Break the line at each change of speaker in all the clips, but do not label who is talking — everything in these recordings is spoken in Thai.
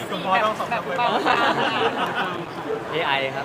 คุณพ่อต้องสอนทำไว้บ้าง
AI ครับ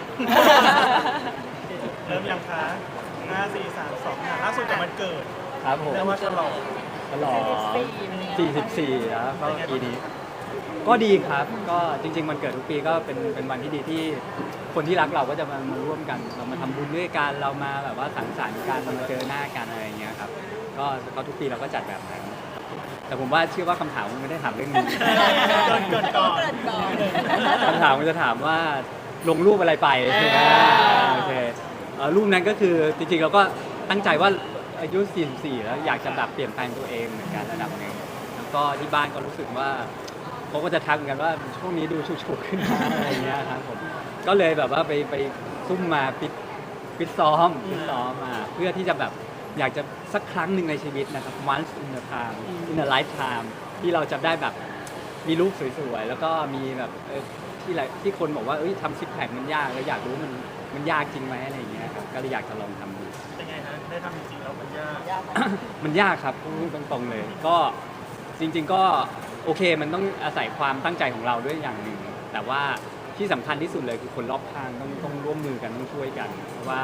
เริ่มยังคะ5 4 3 2ล่าสุดกับวันเกิด
ครับผม
เรียกว่าฉลอง
ฉลอง44แล้วก็ปีนี้ ก็ดีครับ ก็จริงๆมันเกิดทุกปีก็เป็นวันที่ดีที่คนที่รักเราก็จะมาร่วมกัน เรามาทำบุญด้วยกัน เรามาแบบว่าสังสรรค์กันมาเจอหน้ากันอะไรอย่างเงี้ยครับ ก็ทุกปีเราก็จัดแบบนั้น แต่ผมว่าเชื่อว่าคำถามมันไม่ได้ถามเรื่องนี้
เกินก่อน
คำถามมันจะถามว่าลงรูปอะไรไปใช่ไหมโอเครูปนั้นก็คือจริงๆเราก็ตั้งใจว่าอายุ 44 แล้วอยากจะแบบเปลี่ยนแปลงตัวเองเหมือนกันระดับหนึ่งแล้วก็ที่บ้านก็รู้สึกว่าเขาก็จะทักเหมือนกันว่าช่วงนี้ดูฉุกๆขึ้นมาอะไรอย่างเงี้ยครับผมก็เลยแบบว่าไปซุ่มมาฟิตซ้อมมาเพื่อที่จะแบบอยากจะสักครั้งหนึ่งในชีวิตนะครับ once in a time in a lifetime ที่เราจะได้แบบมีรูปสวยๆแล้วก็มีแบบที่คนบอกว่าทำซิกแพคมันยากแล้วอยากรู้มันยากจริงไหมอะไรอย่างเงี้ยครับก็เลยอยากจะลองทำดู
เป็นไงฮะได้ทำจริงๆแล้วมันยาก
มันยากครับพูดตรงๆเลย ก็จริงๆก็โอเคมันต้องอาศัยความตั้งใจของเราด้วยอย่างหนึ่งแต่ว่าที่สำคัญที่สุดเลยคือคนรอบข้างต้องร่วมมือกันต้องช่วยกันเพราะว่า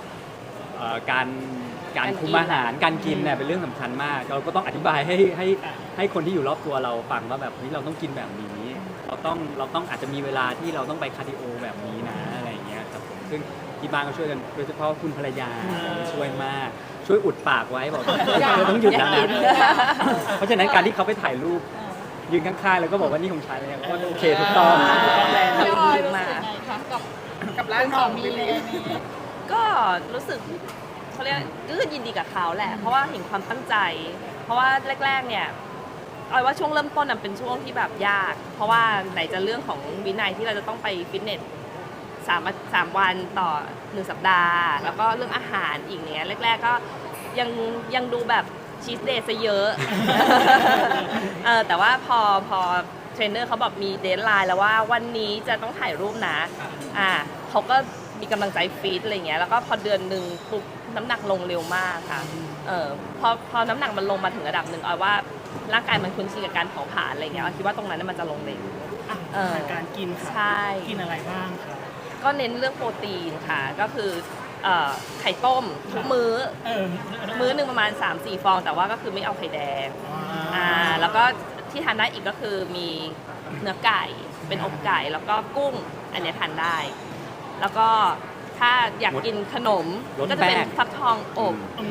การคุมอาหารการกินเนี่ยเป็นเรื่องสำคัญมากเราก็ต้องอธิบายให้คนที่อยู่รอบตัวเราฟังว่าแบบนี้เราต้องกินแบบนี้เราต้องอาจจะมีเวลาที่เราต้องไปคาร์ดิโอแบบนี้นะอะไรอย่างเงี้ยครับผมซึ่งที่บ้านก็ช่วยกันโดยเฉพาะคุณภรรยาช่วยมากช่วยอุดปากไว้บอกต้องหยุดแล้วนะเพราะฉะนั้นการที่เขาไปถ่ายรูปยืนข้างๆแล้วก็บอกว่านี่ของฉันเนี่ยก็โอเคถูกต้อง
พี่ออยมากับร้านของมีเลยก็รู้สึกเขาเรียกก็คือยินดีกับเขาแหละเพราะว่าเห็นความตั้งใจ เพราะว่าแรกๆเนี่ยออยว่าช่วงเริ่มต้นมันเป็นช่วงที่แบบยาก เพราะว่าไหนจะเรื่องของวินัยที่เราจะต้องไปฟิตเนส3 วันต่อ1 สัปดาห์แล้วก็เรื่องอาหารอีกเนี้ยแรกๆก็ยังดูแบบชีสเดย์ซะเยอะ แต่ว่าพอเทรนเนอร์เขาบอกมีเดดไลน์แล้วว่าวันนี้จะต้องถ่ายรูปนะเขาก็มีกำลังใจฟีดอะไรเงี้ยแล้วก็พอเดือนหนึ่งปุ๊บน้ำหนักลงเร็วมากค่ะพอน้ำหนักมันลงมาถึงระดับหนึ่งออยว่าร่างกายมันคุ้นชินกับการเผาผลาญอะไรเงี้ยออยคิดว่าตรงนั้นมันจะลงเร็ว
การกินค่ะ
ใช่
กินอะไรบ้างคะ
ก็เน้นเรื่องโปรตีนค่ะก็คือไข่ต้มทุกมื้อหนึ่งประมาณ 3-4 ฟองแต่ว่าก็คือไม่เอาไข่แดงแล้วก็ที่ทานได้อีกก็คือมีเนื้อไก่เป็นอกไก่แล้วก็กุ้งอันนี้ทานได้ แล้วก็ถ้าอยากกินขนมก็จะเป็นฟักทองอบ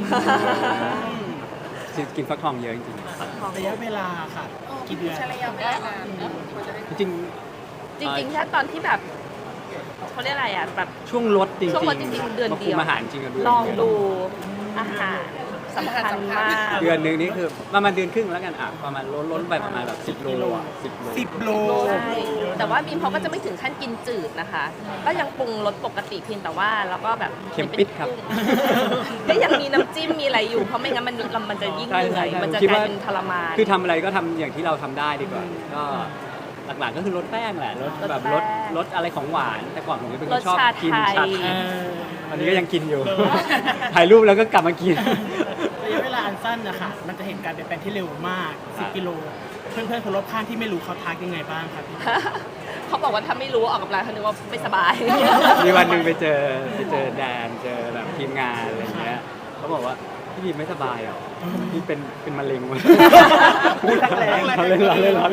กินฟักทองเยอะจริง
ฟักทอง
ระยะเวลาค่ะกี่เดือน
ใช้ระยะเวลานาน
ๆจริง
จริงๆแค่ตอนที่แบบเขาเรียกอะไรอ่ะแบบ
ช่วงลดจริงๆ
ช่วงลดจริงๆเดือนเดียว
มาคุมอาหารจริงกันด้วย
ลองดูอาหารสำคัญมาก
เดือนหนึ่งนี่คือประมาณเดือนครึ่งแล้วกันประมาณล้นไปประมาณแบบ10 โลอ่ะ10 โล
10 โล
ใช่แต่ว่าบีมเขาก็จะไม่ถึงขั้นกินจืดนะคะ ก็ยังปรุงรสปกติเพียงแต่ว่าแล้วก็แบบ
เค็มปิดครับ
ก็ยังมีน้ำจิ้มมีอะไรอยู่เพราะไม่งั้นมันจะยิ่งเหนื่อยมันจะกลายเป็นทรมาน
คือทำอะไรก็ทำอย่างที่เราทำได้ดีกว่า ก็หลักๆก็คือลดแป้งแหละลดแบบลดอะไรของหวานแต่ก่อนผมเป็นคนชอบกินชาไทยตอนนี้ก็ยังกินอยู่ ถ่ายรูปแล้วก็กลับมากิน
ระยะเวลาอันสั้นนะคะมันจะเห็นการเปลี่ยนแปลงที่เร็วมาก10 กิโลเพื่อนๆคนรอบข้างที่ไม่รู้เขาทักยังไงบ้างครับพี่
เขาบอกว่าถ้าไม่รู้ออกกำลังเขานึกว่าไม่สบาย
มีวันหนึ่งไปเจอแดนเจอแบบทีมงานอะไรเงี้ยเขาบอกว่าพี่บีไม่สบายหรอพี่เป็นมะเร็งมั้ยเราเล่น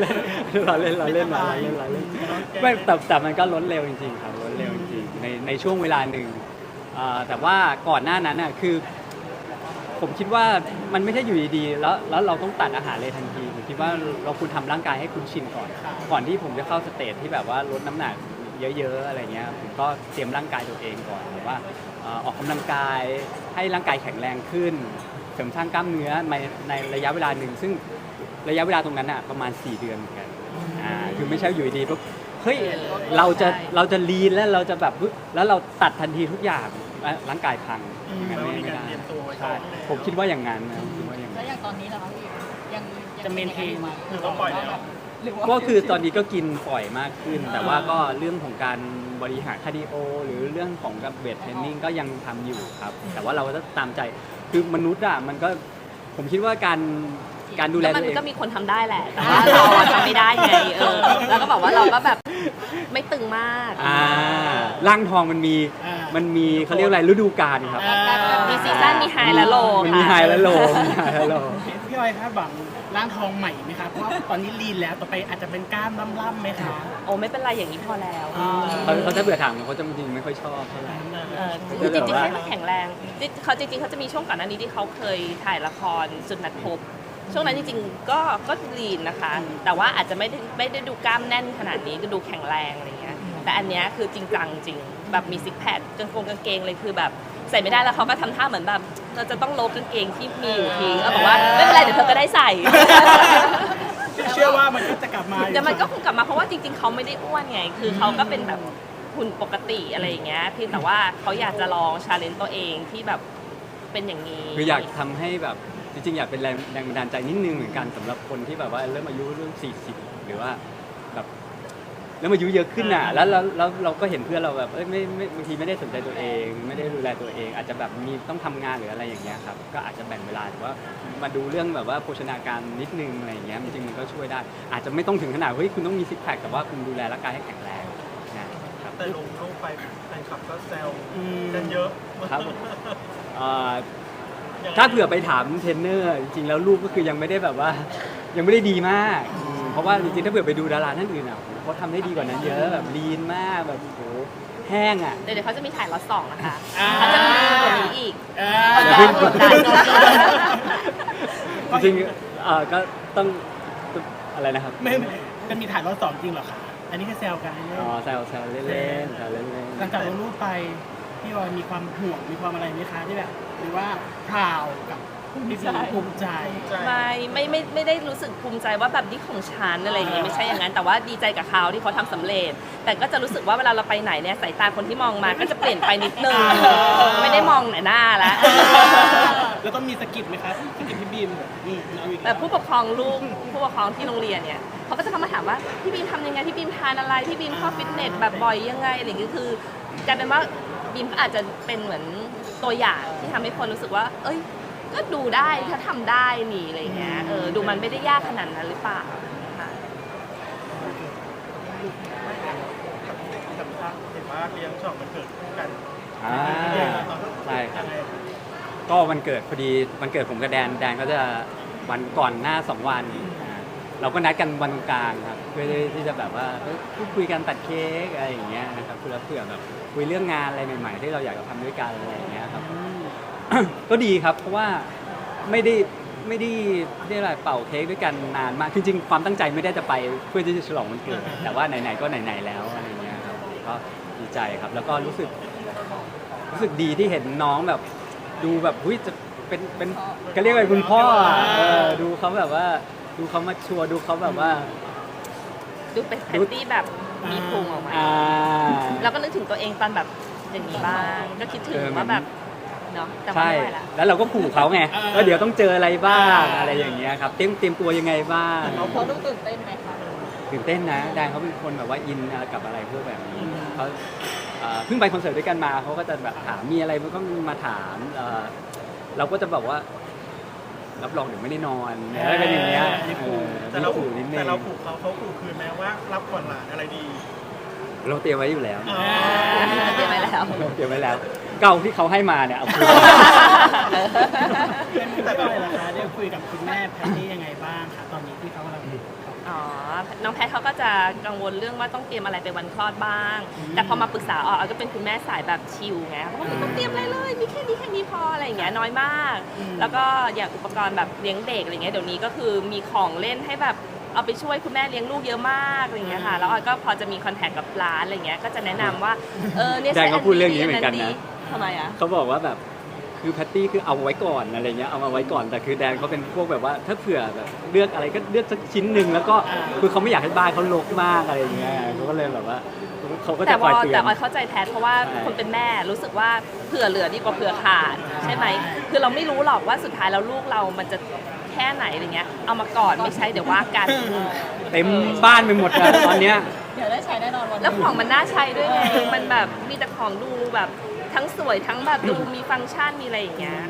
ไม่แต่มันก็ล้นเร็วจริงๆครับล้นเร็วจริงๆในช่วงเวลาหนึ่งแต่ว่าก่อนหน้านั้นน่ะคือผมคิดว่ามันไม่ใช่อยู่ดีๆแล้วเราต้องตัดอาหารเลยทันทีผมคิดว่าเราควรทำร่างกายให้คุ้นชินก่อนที่ผมจะเข้าสเตจที่แบบว่าลดน้ำหนักเยอะๆอะไรเงี้ยผมก็เตรียมร่างกายตัวเองก่อนหรือว่าออกกำลังกายให้ร่างกายแข็งแรงขึ้นเสริมสร้างกล้ามเนื้อในระยะเวลาหนึ่งซึ่งระยะเวลาตรงนั้นอ่ะประมาณ4 เดือนเหมือนกันคือไม่ใช่อยู่ดีปุ๊บเฮ้ยเราจะลีนแล้วเราจะแบบแล้วเราตัดทันทีทุกอย่างร่างกายพังอย่างนั้นไม่ได้ใช่ผมคิดว่าอย่างนั้นนะผมคิดว่าอย่างนั้น
แล้วอย่างตอนนี้เหรอคะพี่ยัง
จะเมนเทน
หรือ
ต้องปล่อยแล้ว
ก็คือตอนนี้ก็กินปล่อยมากขึ้น แต่ว่าก็เรื่องของการบริหารคาร์ดิโอหรือเรื่องของกับเวทเทรนนิ่งก็ยังทำอยู่ครับแต่ว่าเราก็ตามใจคือมนุษย์อ่ะมันก็ผมคิดว่าการการดูแล
แล้วมั
ตัวเอง
ก็มีคนทำได้แหละแต่ว่าเราอะทำไม่ได้ไงแล้วก็บอกว่าเราก็แบบไม่ตึงมาก
ร่างทองมันมี
อ่า
มันมีเขาเรียกอะไรฤดูกาลครับ
มีซีซั่นมีไฮและโล
มันมีไฮและโลมีไฮและโล
พี่ออยคาดหวังร่างทองใหม่ไหมคะเพราะว่าตอนนี้ลีนแล้วต่อไปอาจจะเป็นกล้ามล่ำๆไหมคะ
โอ้ไม่เป็นไรอย่างนี้พอแล้ว
เขาจะเบื่อถามเขาจะจริงๆไม่ค่อยชอบเท่าไหร่
คือจริงๆให้มันแข็งแรงเขาจริงๆเขาจะมีช่วงก่อนหน้านี้ที่เขาเคยถ่ายละครสุดนัดพบ ช่วงนั้นจริงๆก็ลีนนะคะ แต่ว่าอาจจะไม่ได้ดูกล้ามแน่นขนาดนี้ก็ดูแข็งแรงอะไรเงี้ยแต่อันเนี้ยคือจริงจังจริงแบบมีซิกแพคกางเกงเลยคือแบบใส่ไม่ได้แล้วเขาก็ทำท่าเหมือนแบบเราจะต้องลบกางเกงที่มีอยู่ทิ้งแล้วบอกว่าไม่เป็นไรเดี๋ยวเธอก็ได้ใส่
เชื่อว่ามันก็จะกลับมา
เดี๋ยวมันก็คงกลับมาเพราะว่าจริงๆเขาไม่ได้อ้วนไงคือเขาก็เป็นแบบหุ่นปกติอะไรอย่างเงี้ยเพียงแต่ว่าเขาอยากจะลองชาเลนจ์ตัวเองที่แบบเป็นอย่างนี้
คืออยากทำให้แบบจริงๆอยากเป็นแรงบันดาลใจนิดนึงเหมือนกันสำหรับคนที่แบบว่าเริ่มอายุเรื่อง40หรือว่าแบบเริ่มอายุเยอะขึ้นอ่ะแล้วเราก็เห็นเพื่อนเราแบบไม่บางทีไม่ได้สนใจตัวเอง ไม่ได้ดูแลตัวเอง อาจจะแบบมีต้องทำงานหรืออะไรอย่างเงี้ยครับก็อาจจะแบ่งเวลาหรือว่ามาดูเรื่องแบบว่าโภชนาการนิดนึงอะไรอย่างเงี้ยจริงๆมันก็ช่วยได้ อาจจะไม่ต้องถึงขนาดเฮ้ยคุณต้องมีซิกแพคแต่ว่าคุณดูแลร่างกายให้แข็งแรงนะครับ
แต่ลงรูปไปแฟนคลับก็แซวกันเยอะ
ครับถ้าเผื่อไปถามเทรนเนอร์จริงๆแล้วรูปก็คือยังไม่ได้แบบว่ายังไม่ได้ดีมากเพราะว่าจริงๆถ้าเผื่อไปดูดาราท่านอื่นอ่ะเขาทำได้ดีกว่านั้นเยอะแบบลีนมากแบบโหแห้งอ่ะ
เดี๋ยวเขาจะมีถ่ายล็อตสองนะคะเขาจะมีกว่านี้อีก
อย่าเพิ่งกดดัน จริงๆก็ต้องอะไรนะครับ
ไม่จะมีถ่ายรอบสองจริงเหรอคะอันนี้แค่แซวกันเล่น
อ๋อแซวเล่นๆแซวเล่น
หลังจากลงรูปไปพี่ออยมีความห่วงมีความอะไรไหมคะที่แบบหรือว่าพราวกับพี่บีภูมิใจ
ไม่ได้รู้สึกภูมิใจว่าแบบนี้ของฉันอะไรอย่างเงี้ยไม่ใช่อย่างนั้นแต่ว่าดีใจกับเขาที่เขาทำสำเร็จ แต่ก็จะรู้สึกว่าเวลาเราไปไหนเนี่ยสายตาคนที่มองมาก็จะเปลี่ยนไปนิดนึงไม่ได้มองหน้าแล้ว
แล้วต้องมีสกิปไหมครับสกิปพี่บีมเอาอีก
แต่ผู้ปกครองลูกผู้ปกครองที่โรงเรียนเนี่ยเขาก็จะเข้ามาถามว่าพี่บีมทำยังไงพี่บีมทานอะไรพี่บีมเข้าฟิตเนสแบบบ่อยยังไงอะไรอย่างเงี้ยคือกลายเป็นว่าบีมก็อาจจะเป็นเหมือนตัวอย่างที่ทำให้คนรู้สึกว่า เอ้ยก็ดูได้ถ้าทำได้นี่อะไรเงี้ยดูมันไม่ได้ยากขนาดนั้นหรือเปล่าค่ะ
เห็นว่าเลี้ยงฉลองวันเกิดกัน
ใช่ครับก็วันเกิดพอดีวันเกิดผมกับแดนก็จะวันก่อนหน้า2 วันเราก็นัดกันวันตรงกลางครับเพื่อที่จะแบบว่าพูดคุยกันตัดเค้กอะไรอย่างเงี้ยนะครับเผื่อแบบคุยเรื่องงานอะไรใหม่ๆที่เราอยากจะทำด้วยกันอะไรอย่างเงี้ยครับ ก็ดีครับเพราะว่าไม่ได้ได้อะไรเป่าเค้กด้วยกันนานมากจริงๆความตั้งใจไม่ได้จะไปเพื่อที่จะฉลองวันเกิดแต่ว่าไหนๆก็ไหนๆแล้วอะไรเงี้ยครับก็ดีใจครับแล้วก็รู้สึกดีที่เห็นน้องแบบดูแบบหุ้ยจะเป็นก็เรียกว่าคุณพ่อดูเขาแบบว่าดูเขามาชัวร์ดูเขาแบบว่า
ดูเป็นแพตตี้แบบมีพุงออกมาแล้วก็นึกถึงตัวเองตอนแบบอย่างนี้บ้างก็คิดถึงว่าแบบเนาะแต่ว่า
ใช่
ไม่ไหวละ
แล้วเราก็ขู่เขาไงว่าเดี๋ยวต้องเจออะไรบ้างอะไรอย่างเงี้ยครับเตรียมตัวยังไงบ้าง
เขาต้องตื่นเต้นไหมคะ
ตื่นเต้นนะแดนเขาเป็นคนแบบว่าอินกับอะไรพวกแบบนี้เขาเพิ่งไปคอนเสิร์ตด้วยกันมาเขาก็จะแบบถามมีอะไรมันก็มาถามเราก็จะแบบว่ารับรองเดี๋ยวไม่ได้นอนอะไรเป็นอย่างเงี้ย
แต่เรา
ขู่นิดนึง
แต่เราขู่เขาขู่คืนแม้ว่ารับก่อนหลานอะไรดี
เราเตรียมไว้อยู่แล้ว
เตรียมไว้แล้ว
เตรียมไว้แล้วเก่าที่เขาให้มาเนี่ยเอาคืน
แต่ก็เลยนะคะได้คุยกับคุณแม่แพทตี้ยังไงบ้างคะตอนนี้ที่เขากำลัง
อ๋อ น้องแพทเขาก็จะกังวลเรื่องว่าต้องเตรียมอะไรไปวันคลอดบ้าง แต่พอมาปรึกษาอ๋อก็เป็นคุณแม่สายแบบชิลไงเขาบอกไม่ต้องเตรียมอะไรเลย มีแค่นี้พออะไรอย่างเงี้ยน้อยมาก แล้วก็อย่างอุปกรณ์แบบเลี้ยงเด็กอะไรเงี้ยเดี๋ยวนี้ก็คือมีของเล่นให้แบบเอาไปช่วยคุณแม่เลี้ยงลูกเยอะมากอะไรเงี้ยค่ะ แล้วออยก็พอจะมีคอนแทคกับร้านอะไรเงี้ย ก็จะแนะนำว่าเนี่ย
แดนเขาพูดเรื่องนี้เหมือนกันนะ
ทำไมอ่ะ
เขาบอกว่าแบบคือแพตตี้คือเอาไว้ก่อนอะไรเงี้ยเอามาไว้ก่อนแต่คือแดนเขาเป็นพวกแบบว่าถ้าเผื่อแบบเลือกอะไรก็เลือกสักชิ้นหนึ่งแล้วก็คือเขาไม่อยากให้บ้านเขารกมากอะไรอย่างเงี้ยเขาก็เลยแบบว่าเขาก็จะคอยเตือน
แต่ออยเข้าใจแพทเพราะว่าคนเป็นแม่รู้สึกว่าเผื่อเหลือดีกว่าเผื่อขาดใช่ไหมคือเราไม่รู้หรอกว่าสุดท้ายแล้วลูกเรามันจะแค่ไหนอะไรเงี้ยเอามาก่อนไม่ใช่เดี๋ยวว่ากัน
เต็มบ้านไปหมดเลยตอนเนี้ย
เดี๋ยวได้ใช้แน่นอนวันแล้วของมันน่าใช้ด้วยไงมันแบบมีแต่ของดูแบบทั้งสวยทั้งแบบดูมีฟังก์ชันมีอะไรอย่างเงี้ย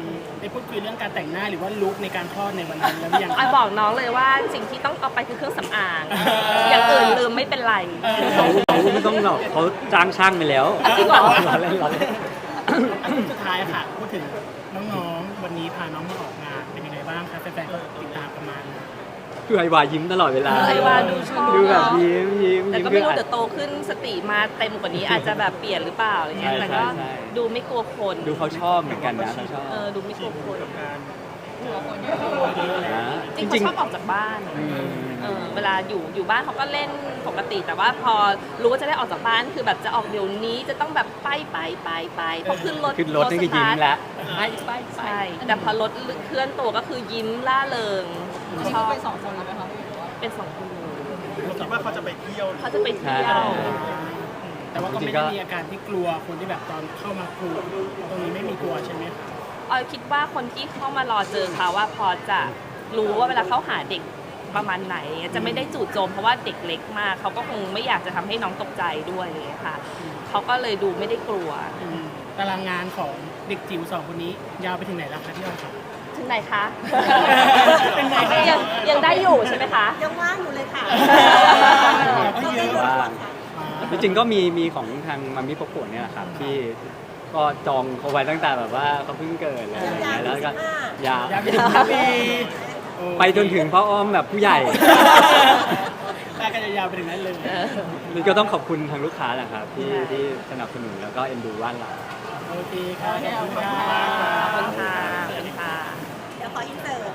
ได้พูดคุยเรื่องการแต่งหน้าหรือว่าลุคในการคลอดในวันนั้นแล้วหรือยัง
ออยบอกน้องเลยว่าสิ่งที่ต้องเอาไปคือเครื่องสำอาง อย่างอื่นลืมไม่เป็นไร
เขาไม่ต้องหรอกเขาจ้างช่างไปแล้ว
จริงเหรอ
เราเล่นเราเล่น
อันสุดท้ายค่ะพูดถึงน้องๆวันนี้พาน้องมาออกงานเป็นยังไงบ้างคะแฟนๆติดตามประมาณ
คือไอวายิ้มตลอดเวลา
ไอวาดูชอบ
ดูแบบยิ้ม
แต่ก็ไม่รู้เดี๋ยวโตขึ้นสติมาเต็มกว่านี้อาจจะแบบเปลี่ยนหรือเปล่าอะไรเงี้ย
ใช่
แต่ก็
ใช่
ดูไม่กลัวคน
ดูเขาชอบเหมือนกันนะเขาชอบ
ดูไม่กลัวคน
กับการ
นะ
จริงๆเขาชอบออกจากบ้าน
อืม
เวลาอยู่บ้านเขาก็เล่นปกติ แต่ว่าพอรู้ว่าจะได้ออกจากบ้านคือแบบจะออกเดี๋ยวนี้จะต้องแบบไปพอขึ้นรถ
ขึ้นรถนี่ก็ยิ้มแล้ว
ใช่แต่พอรถเคลื่อนตัวก็คือยิ้มล่าเริงชอบเป็นสองคนเลยไหมคะเป็นสองคนเลย
เราคิดว่าเขาจะไปเที่ยว
เขาจะไปเที่ยว
แต่ว่าก็ไม่ได้มีอาการที่กลัวคนที่แบบตอนเข้ามากลัวตรงนี้ไม่มีกลัวใช่ไหมคะ
ออยคิดว่าคนที่เข้ามารอเจอเขาว่าพอจะรู้ว่าเวลาเขาหาเด็กประมาณไหนจะไม่ได้จู่โจมเพราะว่าเด็กเล็กมากเขาก็คงไม่อยากจะทำให้น้องตกใจด้วยอะไรอย่างเลยค่ะเขาก็เลยดูไม่ได้กลัว
ตารางงานของเด็กจิ๋วสองคนนี้ยาวไปถึงไหนแล้วคะที่เราทำ
ถึงไหนคะ
เป็นไงคะ
ยังได้อยู่ใช่ไหมคะ
ยังว่างอยู่เลยค่ะ
ก็เยอะ
ว่างจริงๆก็มีของทางมัมมี่ปกโกะเนี่ยแหละครับที่ก็จองเขาไว้ตั้งแต่แบบว่าเขาเพิ่งเกิดอะไรอย่างเงี้ยแล้วก็ยาวย
าวไปถึงปี
ไปจนถึงพ่ออ้อมแบบผู้ใหญ่
แต่ก็จะยาวไปถึงนั้นเลย
นี่ก็ต้องขอบคุณทางลูกค้าแหละครับที่สนับสนุนแล้วก็เอ็นดูบ้านเรา
โอเคค่ะขอบคุณค่ะ
ขอบคุณค่ะขอบคุณค่ะ
เดี๋ยวขออินเสิร์ต